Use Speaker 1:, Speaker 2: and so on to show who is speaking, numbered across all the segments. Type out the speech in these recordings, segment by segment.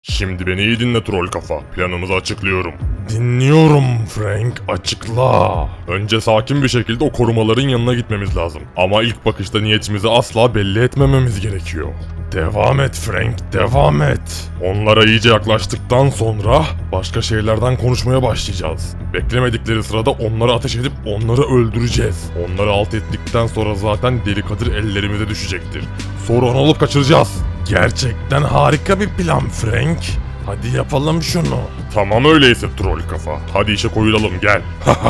Speaker 1: Şimdi beni iyi dinle troll kafa. Planımızı açıklıyorum. Dinliyorum Frank, açıkla. Önce sakin bir şekilde o korumaların yanına gitmemiz lazım. Ama ilk bakışta niyetimizi asla belli etmememiz gerekiyor. Devam et Frank, devam et. Onlara iyice yaklaştıktan sonra başka şeylerden konuşmaya başlayacağız. Beklemedikleri sırada onlara ateş edip onları öldüreceğiz. Onları alt ettikten sonra zaten Deli Kadir ellerimize düşecektir. Sonra onu alıp kaçıracağız. Gerçekten harika bir plan Frank. Hadi yapalım şunu. Tamam öyleyse troll kafa. Hadi işe koyulalım gel.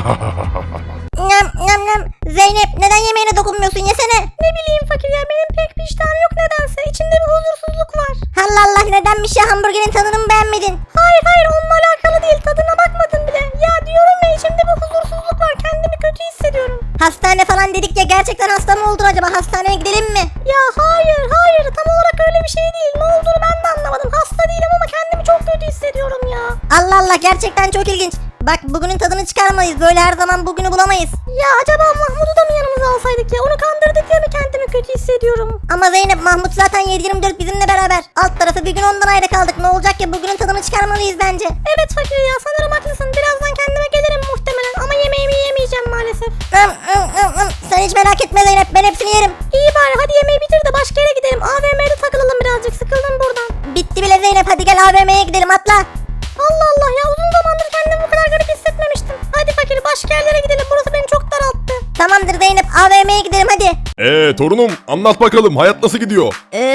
Speaker 2: Nam nam nam. Zeynep neden yemeğine dokunmuyorsun, yesene. Ne bileyim fakir ya, benim pek bir iştahım yok nedense. İçimde bir huzursuzluk var. Allah Allah, nedenmiş ya, hamburgerin tadını mı beğenmedin? Hayır onunla alakalı değil, tadına bakmadım bile. Ya diyorum ya, içimde bir huzursuzluk var, kendimi kötü hissediyorum. Hastane falan dedik ya, gerçekten hasta mı oldun acaba, hastaneye gidelim mi? Ya hayır tam olarak öyle bir şey değil. Ne olduğunu ben de anlamadım. Hasta değilim ama kendimi çok kötü hissediyorum ya. Allah Allah, gerçekten çok ilginç. Bak, bugünün tadını çıkarmayız. Böyle her zaman bugünü bulamayız. Ya acaba Mahmut'u da mı yanımıza alsaydık ya? Onu kandırdık ya mı, kendimi kötü hissediyorum. Ama Zeynep, Mahmut zaten 7/24 bizimle beraber. Alt tarafı bir gün ondan ayrı kaldık. Ne olacak ya, bugünün tadını çıkarmalıyız bence. Evet fakir ya, sanırım haklısın. Birazdan kendime gelirim muhtemelen. Ama yemeğimi yemeyeceğim maalesef. Sen hiç merak etme Zeynep, ben hepsini yerim. İyi bari, hadi yemeği bitir de başka yere gidelim. AVM'de takılalım birazcık, sıkıldım buradan. Bitti bile Zeynep, hadi gel AVM'ye gidelim, atla. Allah Allah ya, uzun zamandır kendimi bu kadar garip hissetmemiştim. Hadi fakir, başka yerlere gidelim, burası beni çok daralttı. Tamamdır Zeynep, AVM'ye gidelim hadi.
Speaker 1: Torunum anlat bakalım, hayat nasıl gidiyor?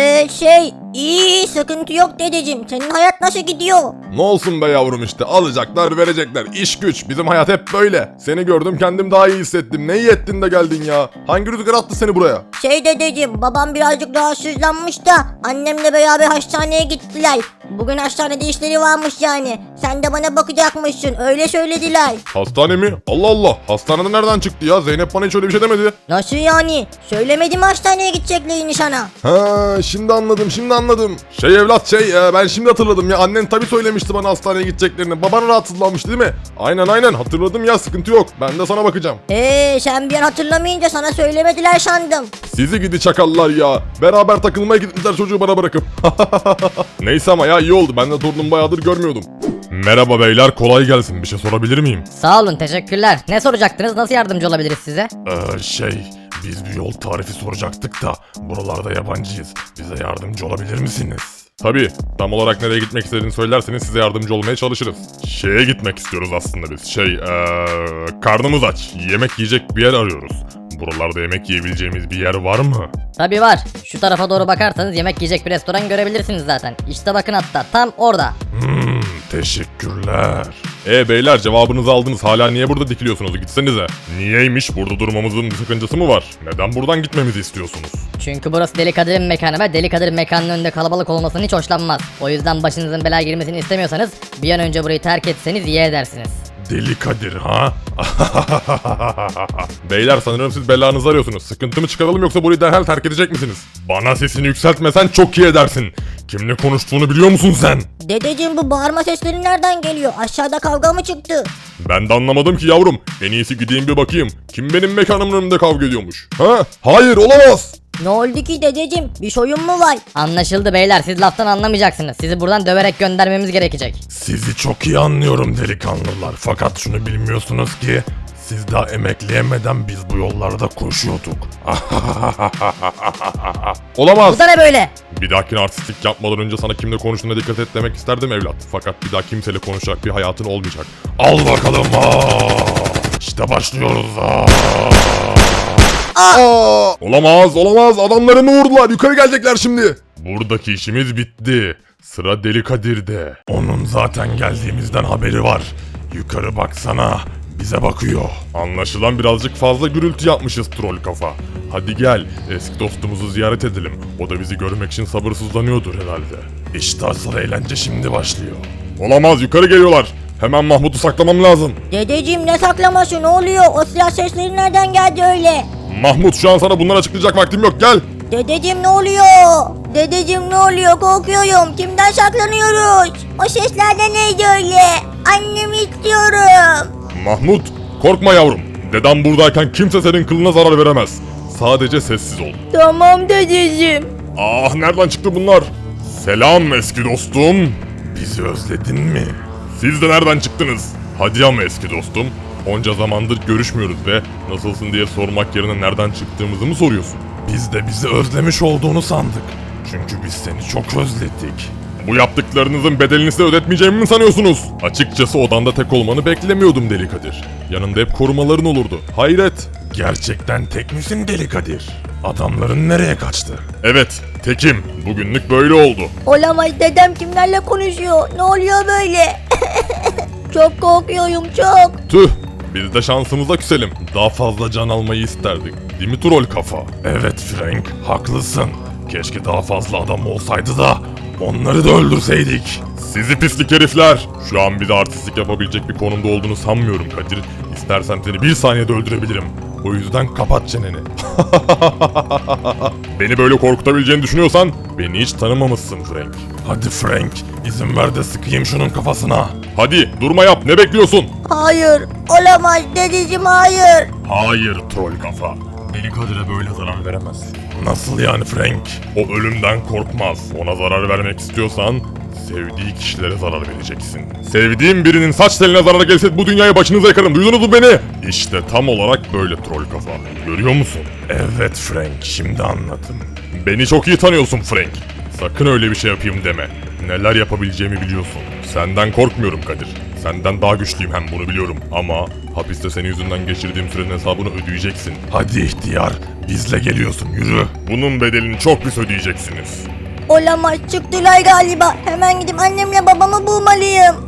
Speaker 2: İyi, sıkıntı yok dedeciğim. Senin hayat nasıl gidiyor?
Speaker 1: Ne olsun be yavrum, işte alacaklar verecekler, iş güç, bizim hayat hep böyle. Seni gördüm kendim daha iyi hissettim. Ne iyi ettin de geldin ya. Hangi rüzgar attı seni buraya?
Speaker 2: Dedeciğim, babam birazcık rahatsızlanmış da annemle beraber hastaneye gittiler. Bugün hastanede işleri varmış yani. Sen de bana bakacakmışsın, öyle söylediler.
Speaker 1: Hastane mi? Allah Allah, hastanede nereden çıktı ya? Zeynep bana hiç öyle bir şey demedi.
Speaker 2: Nasıl yani? Söylemedim hastaneye gideceklerini sana.
Speaker 1: Ha, şimdi anladım. Evlat ben şimdi hatırladım ya, annen tabii söylemişti bana hastaneye gideceklerini. Baban rahatsızlanmış değil mi? Aynen hatırladım ya, sıkıntı yok. Ben de sana bakacağım.
Speaker 2: Sen bir an hatırlamayınca sana söylemediler sandım.
Speaker 1: Sizi gidi çakallar ya. Beraber takılmaya gitmişler çocuğu bana bırakıp. Neyse ama ya, iyi oldu. Ben de torunumu bayağıdır görmüyordum. Merhaba beyler, kolay gelsin. Bir şey sorabilir miyim?
Speaker 3: Sağ olun, teşekkürler. Ne soracaktınız? Nasıl yardımcı olabiliriz size?
Speaker 1: Biz bir yol tarifi soracaktık da buralarda yabancıyız. Bize yardımcı olabilir misiniz? Tabii. Tam olarak nereye gitmek istediğini söylerseniz size yardımcı olmaya çalışırız. Şeye gitmek istiyoruz aslında biz. Karnımız aç. Yemek yiyecek bir yer arıyoruz. Buralarda yemek yiyebileceğimiz bir yer var mı?
Speaker 3: Tabii var. Şu tarafa doğru bakarsanız yemek yiyecek bir restoran görebilirsiniz zaten. İşte bakın, hatta tam orada.
Speaker 1: Teşekkürler. Beyler, cevabınızı aldınız. Hala niye burada dikiliyorsunuz? Gitsenize. Niyeymiş? Burada durmamızın bir sakıncası mı var? Neden buradan gitmemizi istiyorsunuz?
Speaker 3: Çünkü burası Deli Kadir'in mekanı ve Deli Kadir mekanının önünde kalabalık olmasını hiç hoşlanmaz. O yüzden başınızın belaya girmesini istemiyorsanız bir an önce burayı terk etseniz iyi edersiniz.
Speaker 1: Deli Kadir ha? Beyler, sanırım siz belanızı arıyorsunuz. Sıkıntı mı çıkaralım yoksa burayı derhal terk edecek misiniz? Bana sesini yükseltmesen çok iyi edersin. Kimle konuştuğunu biliyor musun sen?
Speaker 2: Dedeciğim, bu bağırma sesleri nereden geliyor? Aşağıda kavga mı çıktı?
Speaker 1: Ben de anlamadım ki yavrum. En iyisi gideyim bir bakayım. Kim benim mekanımın önünde kavga ediyormuş? Ha? Hayır, olamaz.
Speaker 2: Ne oldu ki dedeciğim? Bir soyun mu var?
Speaker 3: Anlaşıldı beyler, siz laftan anlamayacaksınız. Sizi buradan döverek göndermemiz gerekecek.
Speaker 1: Sizi çok iyi anlıyorum delikanlılar. Fakat şunu bilmiyorsunuz ki siz daha emekleyemeden biz bu yollarda koşuyorduk. Olamaz.
Speaker 3: Bu da ne böyle?
Speaker 1: Bir dahakine artistlik yapmadan önce sana kimle konuştuğuna dikkat et demek isterdim evlat. Fakat bir daha kimseyle konuşacak bir hayatın olmayacak. Al bakalım. İşte başlıyoruz. Olamaz. Adamlarını vurdular. Yukarı gelecekler şimdi. Buradaki işimiz bitti. Sıra Deli Kadir'de. Onun zaten geldiğimizden haberi var. Yukarı baksana. Bize bakıyor. Anlaşılan birazcık fazla gürültü yapmışız troll kafa. Hadi gel, eski dostumuzu ziyaret edelim. O da bizi görmek için sabırsızlanıyordur herhalde. İşte asıl eğlence şimdi başlıyor. Olamaz, yukarı geliyorlar. Hemen Mahmut'u saklamam lazım.
Speaker 2: Dedeciğim, ne saklaması, ne oluyor? O silah sesleri nereden geldi öyle?
Speaker 1: Mahmut, şu an sana bunları açıklayacak vaktim yok, gel.
Speaker 2: Dedeciğim ne oluyor? Dedeciğim ne oluyor? Korkuyorum. Kimden saklanıyoruz? O sesler de neydi öyle? Annemi istiyorum.
Speaker 1: Mahmut, korkma yavrum. Dedem buradayken kimse senin kılına zarar veremez. Sadece sessiz ol.
Speaker 2: Tamam dedeciğim.
Speaker 1: Nereden çıktı bunlar? Selam eski dostum. Bizi özledin mi? Siz de nereden çıktınız? Hadi ama eski dostum. Onca zamandır görüşmüyoruz ve nasılsın diye sormak yerine nereden çıktığımızı mı soruyorsun? Biz de bizi özlemiş olduğunu sandık. Çünkü biz seni çok özledik. Bu yaptıklarınızın bedelini size ödetmeyeceğimi mi sanıyorsunuz? Açıkçası odanda tek olmanı beklemiyordum Deli Kadir. Yanında hep korumaların olurdu. Hayret. Gerçekten tek misin Deli Kadir? Adamların nereye kaçtı? Evet, tekim. Bugünlük böyle oldu.
Speaker 2: Olamaz, dedem kimlerle konuşuyor? Ne oluyor böyle? Çok korkuyorum, çok.
Speaker 1: Tüh, biz de şansımıza küselim. Daha fazla can almayı isterdik. Değil mi troll kafa? Evet Frank, haklısın. Keşke daha fazla adam olsaydı da onları da öldürseydik. Sizi pislik herifler. Şu an bize artistlik yapabilecek bir konumda olduğunu sanmıyorum Kadir. İstersen seni bir saniyede öldürebilirim. O yüzden kapat çeneni. Beni böyle korkutabileceğini düşünüyorsan beni hiç tanımamışsın Frank. Hadi Frank, izin ver de sıkayım şunun kafasına. Hadi durma yap, ne bekliyorsun?
Speaker 2: Hayır, olamaz dedeciğim, hayır.
Speaker 1: Hayır troll kafa. Deli Kadir'e böyle zarar veremez. Nasıl yani Frank? O ölümden korkmaz. Ona zarar vermek istiyorsan sevdiği kişilere zarar vereceksin. Sevdiğim birinin saç teline zarar gelse bu dünyayı başınıza yakarım. Duydunuz mu beni? İşte tam olarak böyle troll kafa. Görüyor musun? Evet Frank, şimdi anladım. Beni çok iyi tanıyorsun Frank. Sakın öyle bir şey yapayım deme. Neler yapabileceğimi biliyorsun. Senden korkmuyorum Kadir. Senden daha güçlüyüm hem bunu biliyorum. Ama hapiste senin yüzünden geçirdiğim sürenin hesabını ödeyeceksin. Hadi ihtiyar, bizle geliyorsun, yürü. Bunun bedelini çok pis ödeyeceksiniz.
Speaker 2: Olamaz, çıktılar galiba. Hemen gidip annemle babamı bulmalıyım.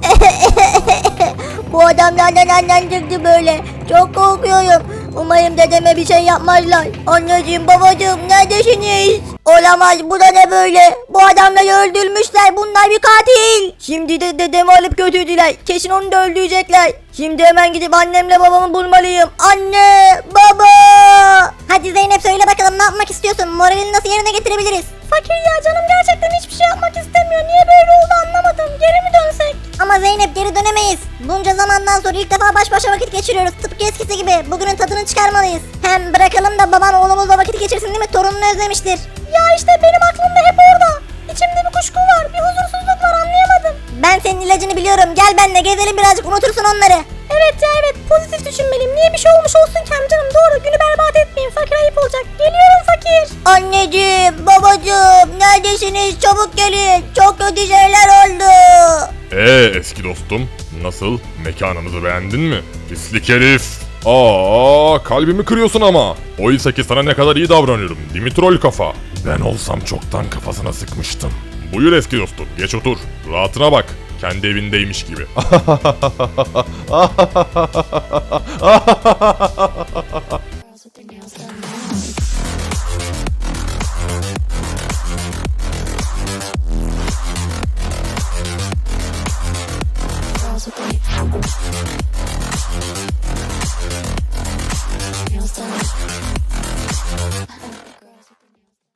Speaker 2: Bu adamlar nereden çıktı böyle? Çok korkuyorum. Umarım dedeme bir şey yapmazlar. Anneciğim, babacığım, neredesiniz? Olamaz, bu da ne böyle? Bu adamları öldürmüşler. Bunlar bir katil. Şimdi de dedemi alıp götürdüler. Kesin onu da öldürecekler. Şimdi hemen gidip annemle babamı bulmalıyım. Anne, baba. Hadi Zeynep, söyle bakalım, ne yapmak istiyorsun? Moralini nasıl yerine getirebiliriz? Fakir ya, canım gerçekten hiçbir şey yapmak istemiyor. Niye böyle oldu anlamadım. Geri mi dönsek? Ama Zeynep, geri dönemeyiz. Bunca zamandan sonra ilk defa baş başa vakit geçiriyoruz. Tıpkı eskisi gibi. Bugünün tadını çıkarmalıyız. Hem bırakalım da baban oğlumuzla vakit geçirsin, değil mi? Torununu özlemiştir. Ya işte benim aklım da hep orada. İçimde bir kuşku var. Bir huzursuzluk var, anlayamadım. Ben senin ilacını biliyorum. Gel benimle gezelim birazcık, unutursun onları. Evet ya, evet. Pozitif düşünmeliyim. Niye bir şey olmuş olsun ki amcanım? Doğru. Günü berbat etmeyin. Fakir ayıp olacak. Geliyorum fakir. Anneciğim, babacığım, neredesiniz? Çabuk gelin. Çok kötü şeyler oldu.
Speaker 1: Eski dostum, nasıl? Mekanımızı beğendin mi? Pislik herif. Kalbimi kırıyorsun ama. Oysa ki sana ne kadar iyi davranıyorum, değil mi troll kafa? Ben olsam çoktan kafasına sıkmıştım. Buyur eski dostum, geç otur. Rahatına bak. Kendi evindeymiş gibi.